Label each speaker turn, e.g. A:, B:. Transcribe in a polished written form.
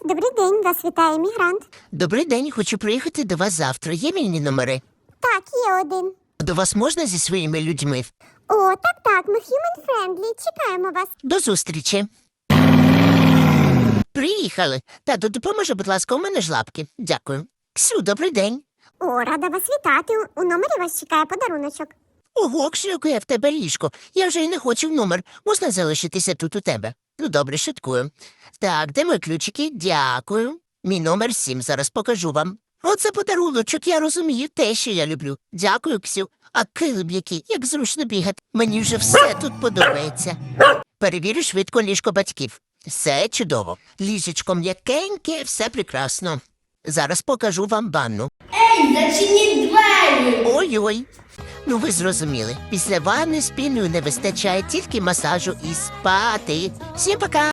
A: Добрий день, вас вітає мігрант.
B: Добрий день, хочу приїхати до вас завтра. Є вільні номери?
A: Так, є один.
B: До вас можна зі своїми людьми?
A: О, так, ми human friendly, чекаємо вас.
B: До зустрічі. Приїхали. Тату, допоможи, будь ласка, у мене ж лапки. Дякую. Ксю, добрий день.
A: О, рада вас вітати. У номері вас чекає подаруночок.
B: Ого, Ксю, яке в тебе ліжко. Я вже й не хочу в номер. Можна залишитися тут у тебе? Ну, добре, шуткую. Так, де мої ключики? Дякую. Мій номер 7, зараз покажу вам. Оце подаруночок, я розумію, те, що я люблю. Дякую, Ксю. А килим який, як зручно бігати. Мені вже все тут подобається. Перевірю швидко ліжко батьків. Все чудово. Ліжечко м'якеньке, все прекрасно. Зараз покажу вам ванну.
C: Ей, зачиніть двері!
B: Ой-ой. Ну ви зрозуміли, після ванни з піною не вистачає тільки масажу і спати. Всім пока!